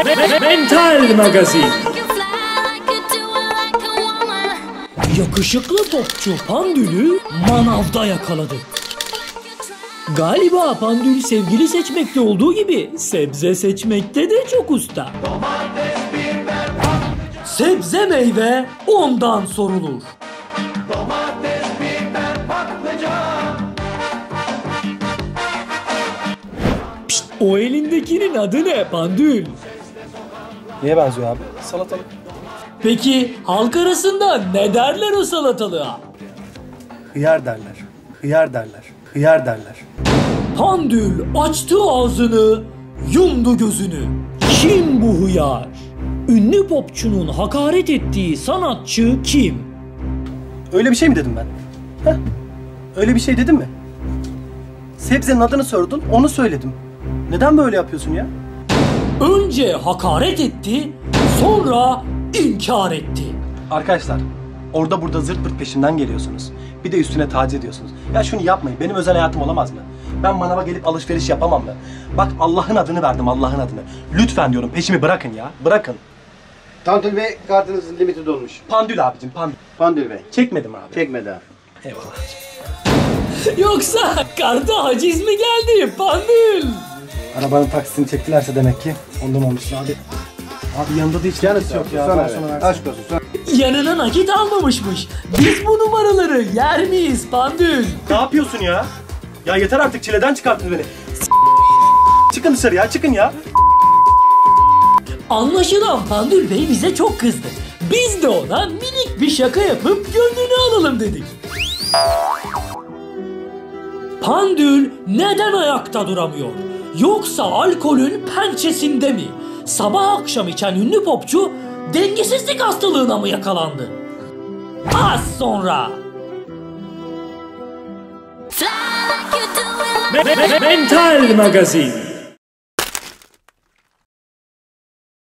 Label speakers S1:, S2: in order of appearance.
S1: Mental Magazin. Yakışıklı popçu Pandül'ü manavda yakaladı. Galiba Pandül sevgili seçmekte olduğu gibi sebze seçmekte de çok usta. Sebze meyve ondan sorulur. Domates, biber, patlıcan. Pişt, o elindekinin adı ne Pandül?
S2: Neye benziyor abi? Salatalık.
S1: Peki halk arasında ne derler o salatalığa?
S2: Hıyar derler. Hıyar derler. Hıyar derler.
S1: Pandül açtı ağzını, yumdu gözünü. Kim bu hıyar? Ünlü popçunun hakaret ettiği sanatçı kim?
S2: Öyle bir şey mi dedim ben? Heh? Öyle bir şey dedim mi? Sebzenin adını sordun, onu söyledim. Neden böyle yapıyorsun ya?
S1: Önce hakaret etti, sonra inkar etti.
S2: Arkadaşlar, orada burada zırt pırt peşimden geliyorsunuz. Bir de üstüne taciz ediyorsunuz. Ya şunu yapmayın, benim özel hayatım olamaz mı? Ben manava gelip alışveriş yapamam mı? Bak Allah'ın adını verdim, Allah'ın adını. Lütfen diyorum, peşimi bırakın ya, bırakın.
S3: Pandül Bey, kartınızın limiti dolmuş.
S2: Pandül abicim, Pandül.
S3: Pandül Bey.
S2: Çekmedim abi.
S3: Çekmedi abi.
S2: Eyvallah.
S1: Yoksa karta haciz mi geldi Pandül?
S2: Arabanın taksisini çektilerse demek ki ondan olmuş abi. Abi yanında da hiç tanesi yok ya.
S3: Sana aşk olsun. Sana.
S1: Yanına nakit almamışmış. Biz bu numaraları yer miyiz Pandül?
S2: Ne yapıyorsun ya? Ya yeter artık, çileden çıkarttın beni. Çıkın dışarı ya, çıkın ya.
S1: Anlaşılan Pandül Bey bize çok kızdı. Biz de ona minik bir şaka yapıp gönlünü alalım dedik. Pandül neden ayakta duramıyor? Yoksa alkolün pençesinde mi? Sabah akşam içen ünlü popçu dengesizlik hastalığına mı yakalandı? Az sonra. Mental Magazin.